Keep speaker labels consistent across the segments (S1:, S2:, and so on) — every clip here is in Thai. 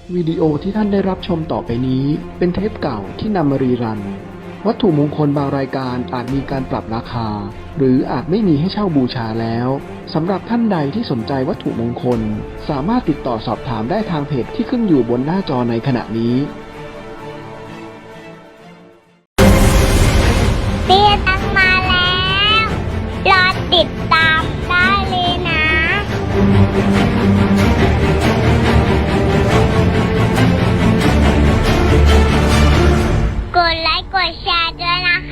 S1: วิดีโอที่ท่านได้รับชมต่อไปนี้เป็นเทปเก่าที่นำมารีรันวัตถุมงคลบางรายการอาจมีการปรับราคาหรืออาจไม่มีให้เช่าบูชาแล้วสำหรับท่านใดที่สนใจวัตถุมงคลสามารถติดต่อสอบถามได้ทางเพจที่ขึ้นอยู่บนหน้าจอในขณะนี้
S2: เบี้ยตั้งมาแล้วรอติดตามได้เลยนะกดไลค์กดแชร์ด้วยนะคะ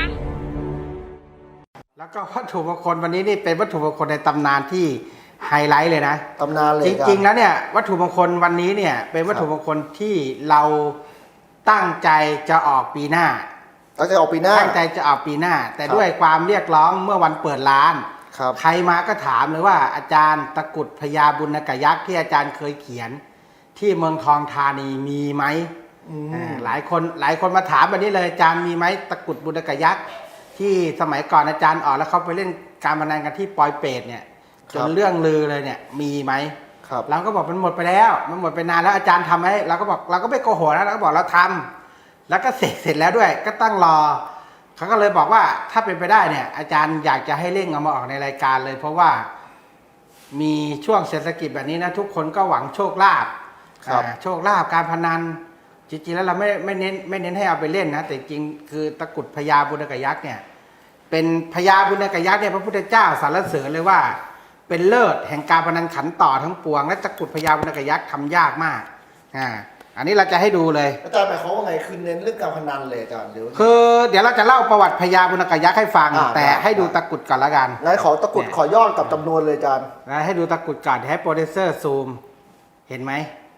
S3: แล้วก็วัตถุมงคลวันนี้นี่เป็นวัตถุมงคลในตำนานที่ไฮไลท์เลยนะ
S4: ตำนานเลย
S3: จริงๆแล้วเนี่ยวัตถุมงคลวันนี้เนี่ยเป็นวัตถุมงคลที่เราตั้งใจจะออกปีหน้า
S4: ตั้งใจออกปีหน้า
S3: แต่ด้วยความเรียกร้องเมื่อวันเปิดร้าน
S4: ครับ
S3: ใครมาก็ถามเลยว่าอาจารย์ตะกรุดพญาบุญกยักษ์ที่อาจารย์เคยเขียนที่เมืองทองธานีมีไหมหลายคนมาถามแบบนี้เลยอาจารย์มีไหมตะกรุดบุญกยักษ์ที่สมัยก่อนอาจารย์ออกแล้วเขาไปเล่นการพนันกันที่ปอยเปตเนี่ยจนเรื่องลือเลยเนี่ยมีไหมเราก็บอกมันหมดไปแล้วมันหมดไปนานแล้วอาจารย์ทำให้เราก็บอกเราก็ไม่โกหกนะเราก็บอกเราทำแล้วก็เสร็จแล้วด้วยก็ตั้งรอเขาก็เลยบอกว่าถ้าเป็นไปได้เนี่ยอาจารย์อยากจะให้เร่งเอามาออกในรายการเลยเพราะว่ามีช่วงเศรษฐกิจแบบนี้นะทุกคนก็หวังโชคลาภโชคลาภการพนันจริงๆแล้วเราไม่เน้นให้เอาไปเล่นนะแต่จริงคือตะกรุดพญาบุญกยักษ์เนี่ยเป็นพญาบุญกยักษ์เนี่ยพระพุทธเจ้าสรรเสริญเลยว่าเป็นเลิศแห่งการพนันขันต่อทั้งปวงและตะกรุดพญาบุญกยักษ์ทำยากมากอันนี้เราจะให้ดูเลย
S4: อาจารย์หมายความว่าไงคือเน้นเรื่องการพนันเลยอาจารย์เ
S3: ดี๋ยวเราจะเล่าประวัติพญาบุญกยักษ์ให้ฟังแต่ให้ดูตะกรุดก่อนละกัน
S4: งั้นขอตะกรุดขอย่อกับจำนวนเลยอาจารย์
S3: ให้ดูตะกรุดก่อนให้โปรดิวเซอร์ซูมเห็นไหม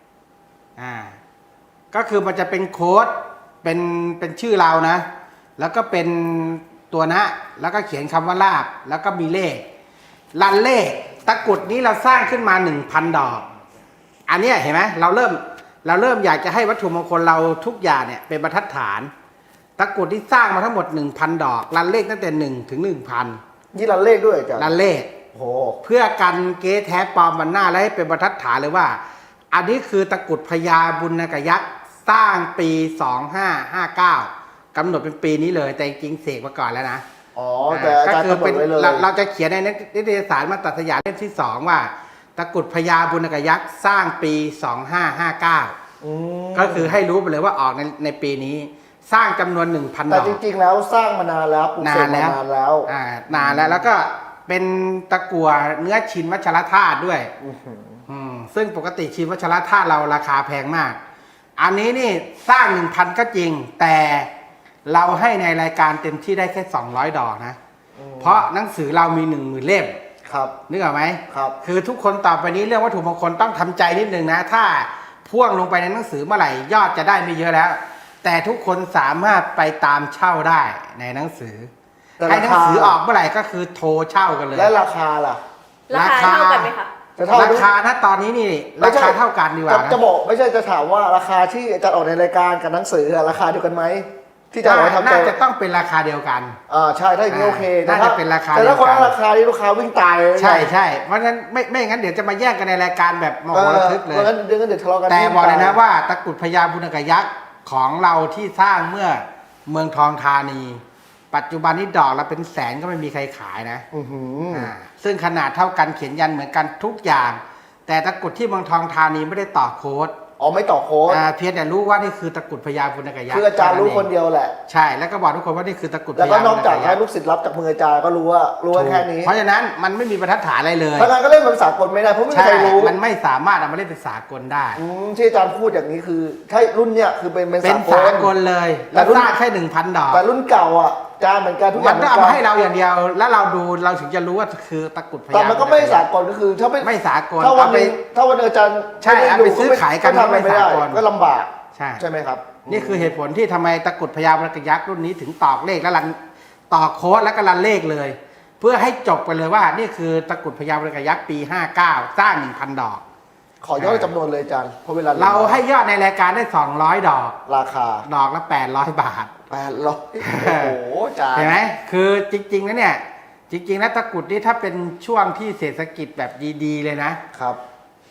S3: ก็คือมันจะเป็นโค้ดเป็นชื่อเรานะแล้วก็เป็นตัวนะแล้วก็เขียนคำว่าลาบแล้วก็มีเลขลันเลขตะกรุดนี้เราสร้างขึ้นมา 1,000 ดอกอันนี้เห็นไหมเราเริ่มอยากจะให้วัตถุมงคลเราทุกอย่างเนี่ยเป็นบรรทัดฐานตะกรุดที่สร้างมาทั้งหมด 1,000 ดอกลันเลขตั้งแต่1 ถึง 1,000
S4: นี่ลันเลขด้วยอาจารย์
S3: ลันเลขเพื่อกันเก๊แท้ปลอมวันหน้าและให้เป็นบรรทัดฐานเลยว่าอันนี้คือตะกรุดพญาบุญกยักษ์สร้างปี 2559กำหนดเป็นปีนี้เลยแต่จริงเสกมาก่อนแล้วนะ
S4: แต่อาจารย์กำหนดไว้เลย
S3: เราจะเขียนในนิตยสารมาตรสยามเล่มที่2ว่าตะกรุดพญาบุญกยักษ์สร้างปี 2559ก็คือให้รู้ไปเลยว่าออกในปีนี้สร้างจำนวน 1,000 ดอก
S4: แต่จริงๆแล้วสร้างมานานแล้วปลูกเสกมานานแล้ว
S3: นานแล้วก็เป็นตะกั่วเนื้อชินวัชรธาตุด้วยซึ่งปกติชินวัชรธาตุเราราคาแพงมากอันนี้นี่สร้าง 1,000 ก็จริงแต่เราให้ในรายการเต็มที่ได้แค่200 ดอกนะเพราะหนังสือเรามี 10,000 เล่มนึกออกไหมคือทุกคนต่อไปนี้เรื่องวัตถุมงคลต้องทำใจนิดนึงนะถ้าพ่วงลงไปในหนังสือเมื่อไหร่ยอดจะได้ไม่เยอะแล้วแต่ทุกคนสามารถไปตามเช่าได้ในหนังสือให้หนังสือออกเมื่อไหร่ก็คือโทรเช่ากันเลย
S4: และราคาล่ะ
S2: ราคาเท่ากันไหมคะ
S3: ราคาณตอนนี้นี่ราคาเท่ากันดีกว่า
S4: จะบอกไม่ใช่จะถามว่าราคาที่อาจารย์ออกในรายการกับหนังสือราคาเดียวกันไหมที่จะเอาทำ
S3: น่าจะต้องเป็นราคาเดียวกัน
S4: ใช่ถ้าอย่างนี้โอเค
S3: น่าจะเป็นราคา
S4: แต่ถ้าคนละราคาที่ลูกค้าวิ่งตาย
S3: ใช่เพราะฉะนั้นไม่งั้นเดี๋ยวจะมาแย่งกันในรายการแบบมโหฬารเลย
S4: งั้นเดี๋ยวทะเลาะกัน
S3: แต่บอกเลยนะว่าตะกรุดพญาบุญกยักษ์ของเราที่สร้างเมื่อเมืองทองธานีปัจจุบันนี้ดอกละเป็นแสนก็ไม่มีใครขายนะซึ่งขนาดเท่ากันเขียนยันเหมือนกันทุกอย่างแต่ตะกรุดที่เมืองทองธานีไม่ได้ต่อโค้ด
S4: ไม่ต่อโค้ด
S3: เพียงแต่รู้ว่านี่คือตะกรุดพญาบุญกยักษ์
S4: คืออาจารย์รู้คนเดียวแหละ
S3: ใช่แล้วก็บอกทุกคนว่านี่คือตะกรุด
S4: แล้วก็นอกจากให้ลูกศิษย์รับจากมืออาจารย์ก็รู้ว่าแค่นี้
S3: เพราะฉะนั้นมันไม่มีบรรทัดฐานอะไรเลย
S4: เพราะงั้นก็เล่นเป็นสากลไม่ได้เพราะไม่มีใครรู้
S3: มันไม่สามารถเอามาเล่นเป็นสากลได้
S4: ที่อาจารย์พูดอย่างนี้คือถ้ารุ่นเนี้ยคือเป็น
S3: สากลเลยแล้วสร้างแค่ 1,000 ดอก
S4: แต่รุ่นเก่าอ่ะจานเหมือนกันทุกอย่าง
S3: มันก็เอามาให้เราอย่างเดียวแล้วเราดูเราถึงจะรู้ว่าคือตะกรุดพญา
S4: แต่มันก็ไม่สากลก็คือถ้า
S3: ไม่สากล
S4: ถ้าวันอาจารย์
S3: ใช่เอาไปซื้อขายกัน
S4: ไม่สากลก็ลำบากใช่ไหมครับ
S3: นี่คือเหตุผลที่ทำไมตะกรุดพญาบุญกยักษ์รุ่นนี้ถึงตอกเลขและต่อโค้ดแล้วก็รันเลขเลยเพื่อให้จบไปเลยว่านี่คือตะกรุดพญาบุญกยักษ์ปี 59สร้าง 1,000 ดอก
S4: ขอยอดจำนวนเลยอาจารย์เพราะเวลา
S3: เราให้ยอดในรายการได้200 ดอก
S4: ราคา
S3: ดอกละ800 บาท
S4: 800โอ้โหอาจารย์
S3: เห็นไหมคือจริงๆแล้วเนี่ยจริงๆแล้วตะกรุดนี่ถ้าเป็นช่วงที่เศรษฐกิจแบบดีๆเลยนะครับ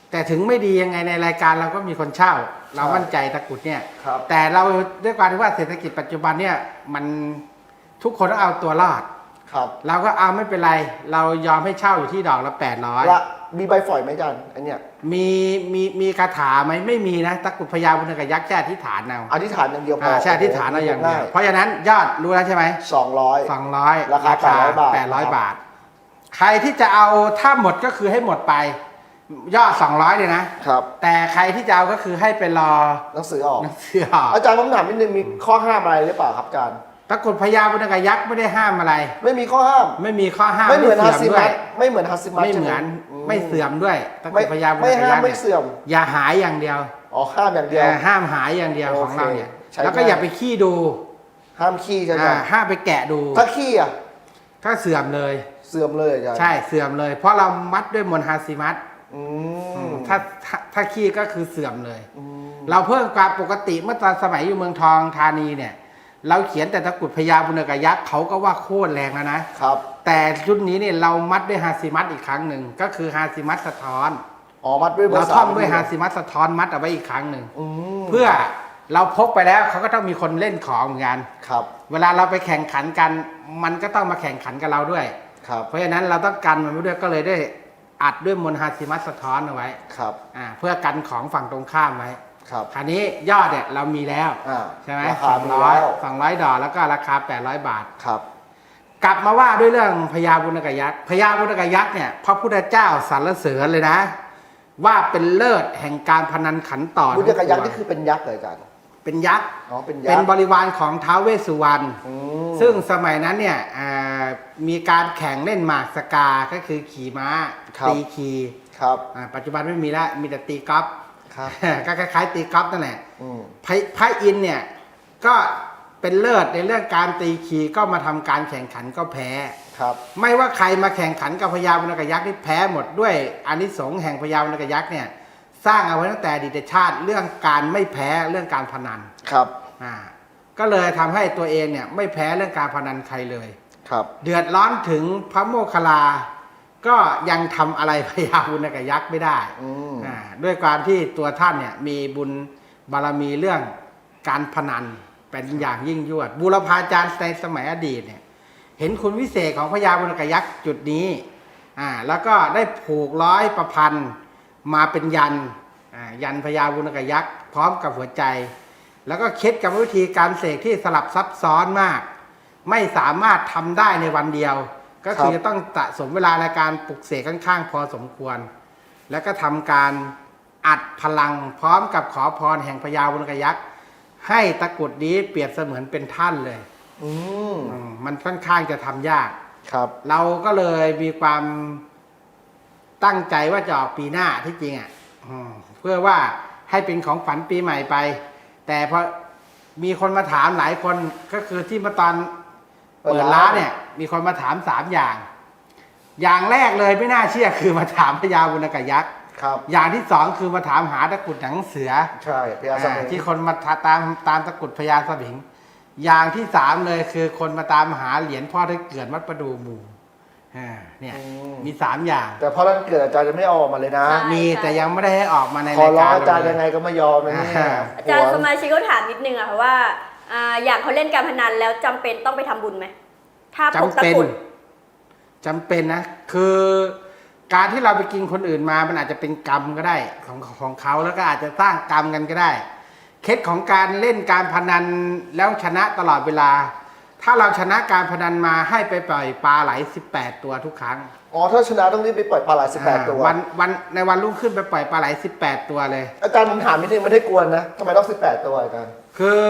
S3: แต่ถึงไม่ดียังไงในรายการเราก็มีคนเช่า เรามั่นใจตะกรุดเนี่ย
S4: ครับ
S3: แต่เราด้วยความที่ว่าเศรษฐกิจปัจจุบันเนี่ยมันทุกคนต้องเอาตัวรอด
S4: ครับ
S3: เราก็เอาไม่เป็นไร เรายอมให้เช่าอยู่ที่ดอกละ800
S4: ละมีใบฝอยไหมอาจารย์อันเนี้ย
S3: มีคาถาไหมไม่มีนะตะกรุดพญาบุญกยักษ์แค่อธิษฐานเอา
S4: อธิษฐานอย่างเดียวพอ
S3: ใช่อธิษฐานเอาอย่างเดียว
S4: ง่
S3: เพราะฉะนั้นยอดรู้แล้วใช่ไหม
S4: 200
S3: 200
S4: ราคา800 บาท
S3: 800 บาท ใครที่จะเอาถ้าหมดก็คือให้หมดไป ยอด200เลยนะครับ แต่ใครที่จะเอาก็คือให้ไปรอ
S4: หนังสือออก
S3: หนังสือออก
S4: อาจารย์ผมถามนิดนึงมีข้อห้ามอะไรหรือเปล่าครับอาจารย์
S3: ตะกรุดพญาบุญกยักษ์ไม่ได้ห้ามอะไร
S4: ไม่มีข้อห้าม
S3: ไม่มีข้อห้าม
S4: ไม่เหมือนฮัสซิ
S3: เสื่อมด้
S4: มั
S3: วย
S4: สไม่เหมือนฮัสซิมัส
S3: ไม่เหมือน
S4: ใช่
S3: ไม่เสื่อมด้วยตะกรุ
S4: ไม่
S3: ดพญาบุญ
S4: ไม่
S3: ก
S4: ห้าม
S3: ยักษ์
S4: ไม่
S3: เนี่ย
S4: เสื่อม
S3: อย่าหายอย่างเดียว
S4: อ๋อห้ามอย่างเดียว
S3: ห้ามหายอย่างเดียว
S4: โอ
S3: ของ
S4: เค
S3: เราเนี่ย
S4: ใช้
S3: แล้วก็
S4: ได้
S3: อย่าไปขี้ดู
S4: ห้ามขี้ใช่ไหม
S3: ห้ามไปแกะดู
S4: ถ้าขี้อ่ะ
S3: ถ้าเสื่อมเลย
S4: เสื่อมเลยอาจารย์
S3: ใช่เสื่อมเลย เพราะเรามัดด้วยมนต์ฮาซิมัส
S4: อืม
S3: ถ้าขี้ก็คือเสื่อมเลย
S4: อืม
S3: เราเพิ่มความปกติเมื่อตอนสมัยอยู่เมืองทองธานีเนี่ย เราเขียนแต่ตะกรุดพญาบุญกยักษ์เขาก็ว่าโคตรแรงแล้วนะ
S4: ครับ
S3: แต่ชุดนี้เนี่ยเรามัดด้วยฮาซิมัสอีกครั้งหนึ่งก็คือฮาซิมัสสะท้อน
S4: อ๋อมัดด้วย
S3: เรา
S4: ภษ
S3: ท่องด้วยฮาซิมัสสะท้อนมัดเอาไว้อีกครั้งหนึ่ง
S4: อืม
S3: เพื่อเราพกไปแล้วเขาก็ต้องมีคนเล่นของเหมือนกัน
S4: ครับ
S3: เวลาเราไปแข่งขันกัน มันก็ต้องมาแข่งขันกับเราด้วย
S4: ครับ
S3: เพราะฉะนั้นเราต้องกันมันไว้ด้วยก็เลยได้อัดด้วยมนต์ฮาซิมัสสะท้อนเอาไว้
S4: ครับ
S3: เพื่อกันของฝั่งตรงข้ามไว้
S4: ครับ
S3: คราวนี้ยอดเนี่ยเรามีแล้ว ใช่ไหม
S4: ราคามีแล้ว
S3: 200 ดอกแล้วก็ราคา800 บาท
S4: ครับ
S3: กลับมาว่าด้วยเรื่องพญาบุญกยักษ์พญาบุญกยักษ์เนี่ยพระพุทธเจ้าสรรเสริญเลยนะ ว่าเป็นเลิศแห่งการพนันขันต่อ
S4: บุญยกยักษ์
S3: ทั้งปวง
S4: นี่คือเป็นยักษ์เหรออาจารย์
S3: เป็นยักษ์
S4: อ๋อเป็นยั
S3: เป็
S4: ก
S3: น
S4: ษ์
S3: บริวารของท้าวเวสสุวรรณ
S4: อืม
S3: ซึ่งสมัยนั้นเนี่ยมีการแข่งเล่นหมากสกาก็คือขี่ม้า
S4: ครับ
S3: ตีคี
S4: ครับ
S3: ปัจจุบันไม่มีแล้วมีแต่ตีกอล์ฟ
S4: ครับ
S3: ก็คล้ายๆตีกอล์ฟนั่นแหละ
S4: อืม
S3: พระอินทร์เนี่ยก็เป็นเลิศในเรื่องการตีคีก็มาทำการแข่งขันก็แพ้
S4: ครับ
S3: ไม่ว่าใครมาแข่งขันกับพญาบุญกยักษ์นี่แพ้หมดด้วยอานิสงส์แห่งพญาบุญกยักษ์เนี่ยสร้างเอาไว้ตั้งแต่อดีตชาติเรื่องการไม่แพ้เรื่องการพนัน
S4: ครับ
S3: ก็เลยทำให้ตัวเองเนี่ยไม่แพ้เรื่องการพนันใครเลย
S4: ครับ
S3: เดือดร้อนถึงพระโมคคัลลา ก็ยังทำอะไรพญาบุญกยักษ์ไม่ได้
S4: อืม
S3: ด้วยความที่ตัวท่านเนี่ยมีบุญบารมีเรื่องการพนันเป็นอย่างยิ่งยวดบูรพาจารย์ในสมัยอดีตเนี่ยเห็นคุณวิเศษของพญาบุญกยักษ์จุดนี้แล้วก็ได้ผูกร้อยประพันธ์มาเป็นยันพญาบุญกยักษ์พร้อมกับหัวใจ แล้วก็คิดกับวิธีการเสกที่สลับซับซ้อนมาก ไม่สามารถทำได้ในวันเดียว ก็คือจะต้องสะสมเวลาในการปลุกเสกค่อนข้างพอสมควร แล้วก็ทำการอัดพลังพร้อมกับขอพรแห่งพญาบุญกยักษ์ให้ตะกรุดนี้เปรียบเสมือนเป็นท่านเลย
S4: อืม
S3: มันค่อนข้างจะทำยาก
S4: ครับ
S3: เราก็เลยมีความตั้งใจว่าจะออกปีหน้าที่จริงเพื่อว่าให้เป็นของฝันปีใหม่ไป แต่พอมีคนมาถามหลายคนก็คือที่มาตอนเปิดร้านเนี่ยมีคนมาถาม3 อย่าง อย่างแรกเลยไม่น่าเชื่อคือมาถามพญาบุญกยักษ์
S4: ครับ
S3: อย่างที่2คือมาถามหาตะกรุดหนังเสือ
S4: ใช่พญาสมิง
S3: ที่คนมาตามตะกรุดพญาสมิงอย่างที่3เลยคือคนมาตามหาเหรียญพ่อที่เกิดวัดประดูหมู่เนี่ยมี3 อย่าง
S4: แต่พอวันเกิดอาจารย์จะไม่เอาออกมาเลยนะ
S2: ใช่
S3: มีแต่ยังไม่ได้ให้ออกมาใน
S4: ขอ
S3: ราย
S4: ร้อง
S3: การ
S4: อาจารย์ยังไงก็ไม่ยอมนะเนี่ย
S2: อาจารย์สมาชิกเขาถามนิดนึงอะค่ะว่าอย่างเขาเล่นการพนันแล้วจำเป็นต้องไปทำบุญไหมถ้าพก
S3: จำ
S2: ตะ
S3: เป็น
S2: กรุด
S3: จำเป็นนะคือการที่เราไปกินคนอื่นมามันอาจจะเป็นกรรมก็ได้ของเขาแล้วก็อาจจะสร้างกรรมกันก็ได้เคล็ดของการเล่นการพนันแล้วชนะตลอดเวลา ถ้าเราชนะการพนันมาให้ไปปล่อยปลาไหล18 ตัวทุกครั้ง
S4: อ๋อถ้าชนะต้องรีบไปปล่อยปลาไหล18 ตัว
S3: ในวันรุ่งขึ้นไปปล่อยปลาไหล18 ตัวเลย
S4: อาจารย์ผมถามนิดนึงไม่ได้กวนนะทำไมต้อง18 ตัวอาจารย์
S3: คือ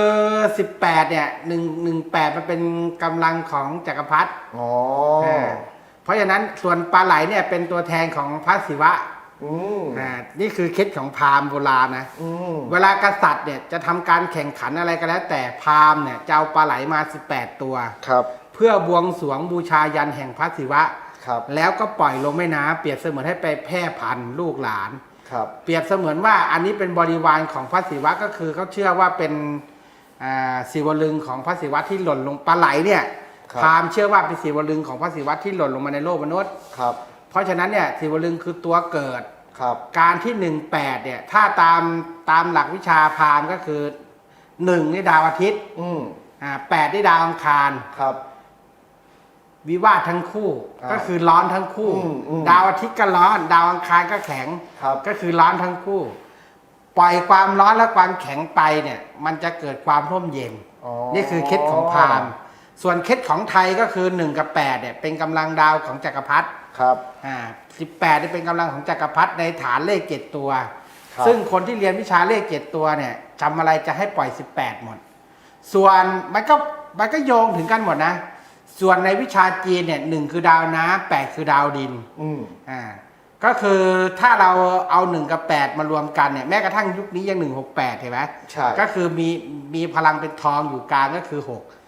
S3: 18เนี่ย118มันเป็นกำลังของจักรพรรดิ
S4: อ๋อ
S3: เพราะฉะนั้นส่วนปลาไหลเนี่ยเป็นตัวแทนของพระศิวะ
S4: อืม
S3: นี่คือเคล็ดของพราหมณ์โบราณนะ
S4: อืม
S3: เวลากษัตริย์เนี่ยจะทำการแข่งขันอะไรก็แล้วแต่พราหมณ์เนี่ยจะเอาปลาไหลมา18 ตัว
S4: ครับ
S3: เพื่อบวงสรวงบูชายันแห่งพระศิวะ
S4: ครับ
S3: แล้วก็ปล่อยลงแม่น้ำเปรียบเสมือนให้ไปแพร่พันธุ์ลูกหลาน
S4: ครับ
S3: เปรียบเสมือนว่าอันนี้เป็นบริวารของพระศิวะก็คือเขาเชื่อว่าเป็นศิวลึงของพระศิวะที่หล่นลงปลาไหลเนี่ยพราหมณ์เชื่อว่าเป็นศิวลึงของพระศิวะที่หล่นลงมาในโลกมนุษย์
S4: ครับ
S3: เพราะฉะนั้นเนี่ยศิวลึงคือตัวเกิด
S4: ครับ
S3: การที่18เนี่ยถ้าตามหลักวิชาพราหมณ์ก็คือ1นี่ดาวอาทิตย์
S4: อืม
S3: 8นี่ดาวอังคาร
S4: ครับ
S3: วิวาททั้งคู่
S4: อ่า
S3: ก็คือร้อนทั้งคู่
S4: อืม
S3: ดาวอาทิตย์ก็ร้อน ดาวอังคารก็แข็ง
S4: ครับ
S3: ก็คือร้อนทั้งคู่ ปล่อยความร้อนและความแข็งไปเนี่ยมันจะเกิดความร่มเย็น
S4: อ๋อ
S3: นี่คือเคล็ดของพราหมณ์ส่วนเคล็ดของไทยก็คือ1กับ8เนี่ยเป็นกำลังดาวของจักรพรรดิ
S4: ครับ
S3: 18เนี่ยเป็นกำลังของจักรพรรดิในฐานเลข7ตัว
S4: ครับ
S3: ซึ่งคนที่เรียนวิชาเลข7ตัวเนี่ยจำอะไรจะให้ปล่อย18หมดส่วนมันก็โยงถึงกันหมดนะส่วนในวิชาจีนเนี่ย1คือดาวน้ำ8คือดาวดิน
S4: อืม
S3: ก็คือถ้าเราเอา1กับ8มารวมกันเนี่ยแม้กระทั่งยุคนี้ยัง168เห็นไหม
S4: ใช่
S3: ก็คือมีพลังเป็นทองอยู่กลางก็คือ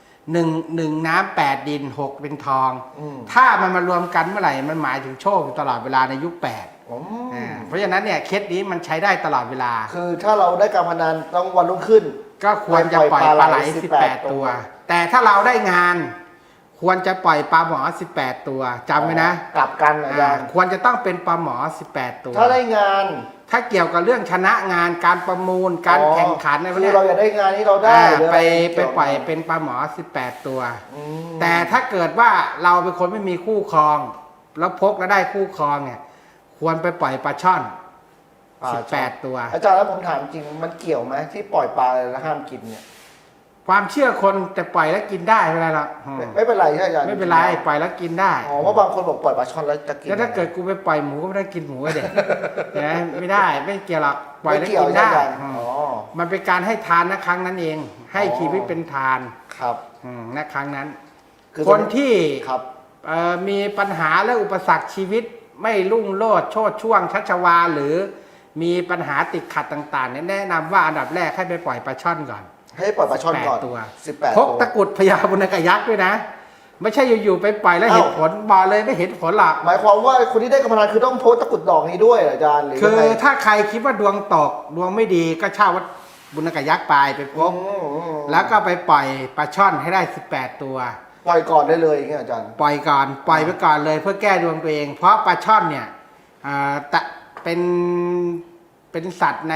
S3: 1น้ำ8ดิน6เป็นทอง
S4: อืม
S3: ถ้ามันมารวมกันเมื่อไหร่มันหมายถึงโชคอยู่ตลอดเวลาในยุค8
S4: อืม
S3: เพราะฉะนั้นเนี่ยเคสนี้มันใช้ได้ตลอดเวลา
S4: คือถ้าเราได้การพนันต้องวันรุ่งขึ้น
S3: ก็ควรจะปล่อยปลาไหล18 ตัว แต่ถ้าเราได้งาน ควรจะปล่อยปลาหมอ18 ตัวจำไว้นะ
S4: กลับกันอาจารย์
S3: ควรจะต้องเป็นปลาหมอ18 ตัว
S4: ถ้าได้งาน
S3: ถ้าเกี่ยวกับเรื่องชนะงานการประมูลการแข่งขันอะไรพวก
S4: คื
S3: เนี้
S4: อย เราอยากได้งานที่เราได้หรืออะ
S3: ไป
S4: ไร
S3: ปล่อยเป็นปลาหมอ18 ตัว
S4: อืม
S3: แต่ถ้าเกิดว่าเราเป็นคนไม่มีคู่ครอง แล้วพกแล้วได้คู่ครองเนี่ยควรไปปล่อยปลาช่อน18 ตัว
S4: อาจารย์แล้วผมถามจริงมันเกี่ยวไหมที่ปล่อยปลาแล้วห้ามกินเนี่ย
S3: ความเชื่อคนแต่ปล่อยแล้วกินได้ไม่เป็นไรหรอก
S4: ไม่เป็นไรใช่ไหมอาจารย์
S3: ไม่เป็นไรปล่อยแล้วกินได้
S4: อ๋อเพราะบางคนบอกปล่อยปลาช่อนแล้วจะกิน
S3: แล้วถ้าเกิดกูไปปล่อยหมูก็ไม่ได้กินหมูก็เด็ก นะไม่ได้ไม่เกี่ยวหรอกปล่อย
S4: ไม่
S3: แล้ว
S4: เกี่ยว
S3: กิน
S4: ใช่
S3: ได้
S4: ไหมอาจารย์
S3: อืม
S4: อ๋อ
S3: มันเป็นการให้ทานนะครั้งนั้นเอง ให้
S4: อ๋อ
S3: ชีวิตเป็นทาน
S4: ครับ
S3: นะครั้งนั้น
S4: คือ
S3: คนที่
S4: ครับ
S3: มีปัญหาและอุปสรรคชีวิตไม่รุ่งโรจน์โชติช่วงชัชวาลหรือมีปัญหาติดขัดต่างๆเนี่ยแนะนำว่าอันดับแรกให้ไปปล่อยปลาช่อนก่อน
S4: ให้ปล่อยปลาช่อนก่อน
S3: 18 ตัว
S4: 18
S3: พ
S4: ตัว
S3: กตะกรุดพญาบุญกยักษ์ด้วยนะ ไม่ใช่อยู่ๆไปปล่อยแล้ว
S4: เอ้า
S3: เห็นผลบอกเลยไม่เห็นผลหรอก
S4: หมายความว่าคนที่ได้การพนันคือต้องโพสต์ตะกรุดดอกนี้ด้วยเหรออาจารย์หรือ
S3: คื
S4: ยัง
S3: อ
S4: ไง
S3: ถ้าใครคิดว่าดวงตกดวงไม่ดีก็เช่าวัดบุญกยักษ์ไปพก
S4: อืม
S3: แล้วก็ไปปล่อยปลาช่อนให้ได้18 ตัว
S4: ปล่อยก่อนได้เลยอย่างเงี้ยอาจารย์
S3: ปล่อยก่อนปล่อยไปก่อนเลยเพื่อแก้ดวงตัวเอง เพราะปลาช่อนเนี่ยแต่เป็นสัตว์ใน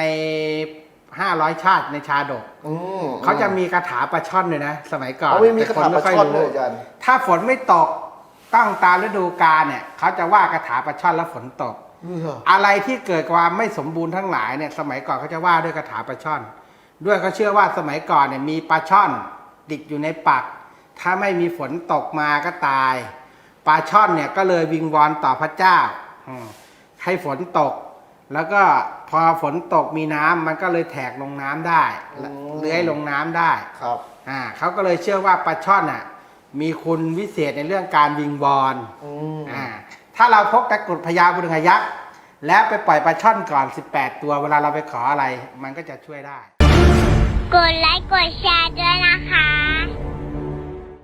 S3: 500 ชาติในชาดก เขาจะมีคาถาปลาช่อนเลยนะ สมัยก่อน
S4: เขาไม่มี
S3: แต่
S4: คาถาปลาช่อน
S3: ไม่ค่
S4: ด้วยอาจารย์
S3: ถ้าฝนไม่ตกต้องตามฤดูกาลเนี่ยเขาจะว่าคาถาปลาช่อนแล้วฝนตก อะไรที่เกิดความไม่สมบูรณ์ทั้งหลายเนี่ยสมัยก่อนเขาจะว่าด้วยคาถาปลาช่อน ด้วยเขาเชื่อว่าสมัยก่อนเนี่ยมีปลาช่อนติดอยู่ในปัก ถ้าไม่มีฝนตกมาก็ตายปลาช่อนเนี่ยก็เลยวิงวอนต่อพระเจ้าให้ฝนตก แล้วก็พอฝนตกมีน้ำมันก็เลยแทกลงน้ำได้เลื้อยลงน้ำได้
S4: ครับ
S3: เขาก็เลยเชื่อว่าปลาช่อนมีคุณวิเศษในเรื่องการวิงวอน ถ้าเราพกตะกรุดพญาบุญกยักษ์แล้วไปปล่อยปลาช่อนก่อน18 ตัวเวลาเราไปขออะไรมันก็จะช่วยได้
S5: กดไลค์กดแชร์ด้วยนะคะ